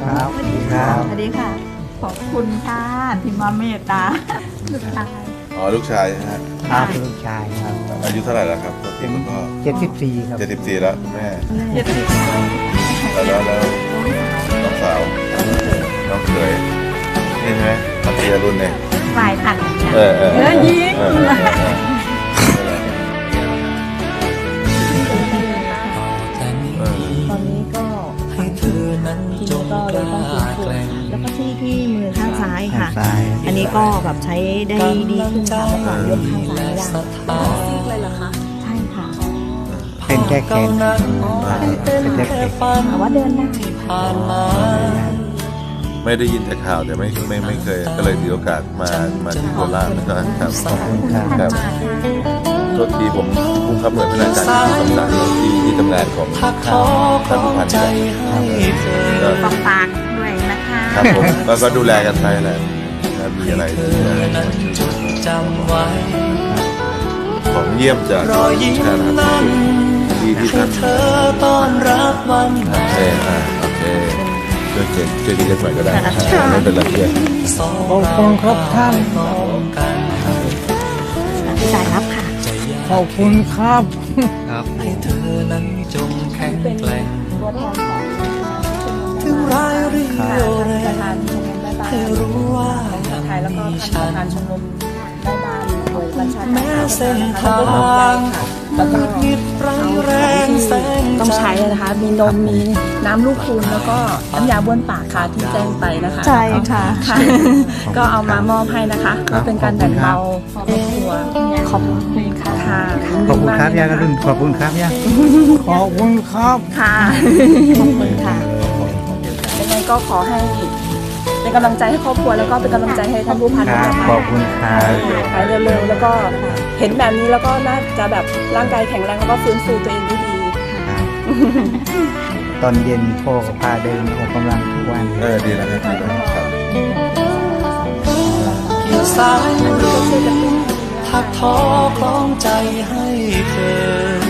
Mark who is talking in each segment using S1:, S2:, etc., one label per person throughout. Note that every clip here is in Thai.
S1: ครับสวัสดีครับ
S2: สวัสดีค่ะขอบคุณค่ะที่มาเมตตาลูกชาย
S3: อ๋อลูกชายนะฮะ
S1: ครับลูกชายครับ
S3: อายุเท่าไหร่แล้วครับที่คุณพ่อ
S1: 74ครับ
S3: 74แล้วคุณแม่
S2: เจ็ดสิบ
S3: แล้วน้องสาวน้องเขยนี่ใช่ไหมพัทยารุ่นเนี่ย
S2: ฝ่ายตัด
S3: ยิง
S4: ตอนนี้ก็ทีนี้ก็เลยต้องฟื้นฟูแล้วก็ที่มือข้างซ้ายค่ะ
S1: ซ้าย
S4: อันนี้ก็แบบใช้ได้ดีขึ้นค่ะเมื่อก่อนยกข้างซ้ายไม่ได้
S2: ซีกเลยเหรอคะ
S4: ใช่ค่ะ
S1: เป็นแค่แขนเป็นแค่แขน
S4: แต่ว่าเดินได้
S3: ไม่ได้ยินแต่ข่าวแต่ไม่เคยก็เลยถือโอกาสมาที่โคราชนะครับ
S1: ขอบคุณครับ
S3: ครับโทษทีผมผู้ขับหน่วยพนักงานที่สำนักที่ทำงานของท่านผู้พันนี่แหละ
S2: ฝากด้วยนะคะ
S3: ครับผมก็ดูแลกันไปแหละมีอะไรของเยี่ยมจากการทำที่ท่านโอเคโอเคช่วยดีกันหน่อยก็ได้ไม่เป็นไรเพื่อน
S1: ขอบคุณครับท่าน
S4: พี่สายรับค่ะ
S1: ขอบคุณครับ
S5: ให้เธอนั้นจงแข็งแกร่ง
S4: ตัวแทนของ
S5: ถึงร้ายหรือเลวแร
S2: ประ
S5: ง
S2: ธานชมรมแม่บ้าน
S5: ให้รู้ว่า
S2: ไทยแล้วก็ท่านประธานชมรมแม่บ้านโดยบัญชาการ
S5: แม้เส้นทาง
S2: แล้วก็
S5: คิดไรแรงแสง
S2: ต้องใช้นะคะ มีนม มีน้ำลูกคูณแล้วก็น้ำยาบ้วนปากค่ะที่แจ้งไปนะคะ
S4: ใช่ค่ะ
S2: ค่ะ ก็เอามามอบให้นะคะเพื่อเป็นการแบ่งเบาครอบครัว
S4: ขอบคุณค่ะ
S2: ค่ะ
S1: ขอบคุณครับย่าก็รุ่นขอบคุณครับย่าขอบคุณครับ
S2: ค่ะ
S4: ขอบคุณค่ะ
S2: ยังไงก็ขอให้เป็นกำลังใจให้ครอบครัวแล้วก็เป็นกำลังใจให้ท่านผู้พัน
S1: ค
S2: ด้วย
S1: รับ
S2: นะคะ
S1: ขอบคุณครับ
S2: หายเร็วๆแล้วก็เห็นแบบนี้แล้วก็น่าจะแบบร่างกายแข็งแรงแล้วก็ฟื้นฟูตัวเองได้ดี
S1: ครับตอนเย็นพ่อก็พาเดินออกกำลังทุกวัน
S3: ดีแล้วครับ
S5: เกี่ยวสายทักท้อคล้องใจให้เธอ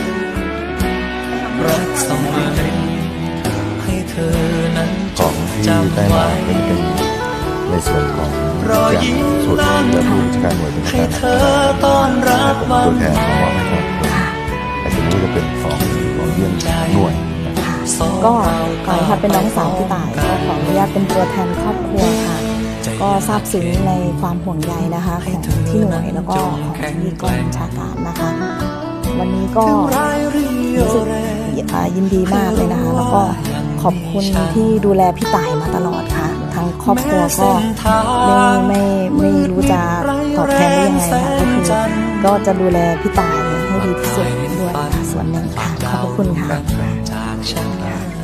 S5: รักสมัยให้เธอนั้น
S3: ของที่ได้มาก็จะเป็นในส่วนของ
S5: รอยยิ้ม
S3: ส่วน
S5: นั้น
S3: และผู้จัดการหน่วยเป็น
S5: ให้
S3: การ
S5: เธอต้อนรับวั
S3: ตัวน แทนของมอบให้ครับไอ้ตรงนี้จะเป็นของเยี่ยมหน่วย
S4: ก็ขอค่ะเป็นน้องสาวพี่ต่ายก็ขออนุญาตเป็นตัวแทนครอบครัวค่ะ ก็ซาบซึ้งในความห่วงใยนะคะของที่หน่วยแล้วก็ของที่กองบัญชาการนะคะ วันนี้ก็รู้สึกยินดีมากเลยนะคะ แล้วก็ขอบคุณที่ดูแลพี่ต่ายมาตลอดค่ะทั้งครอบครัวก็ไม่รู้จะตอบแทนได้ยังไงค่ะก็คือก็จะดูแลพี่ต่ายให้ดีที่สุดด้วยค่ะส่วนหนึ่งค่ะขอบคุณค่ะ
S5: จากฉัน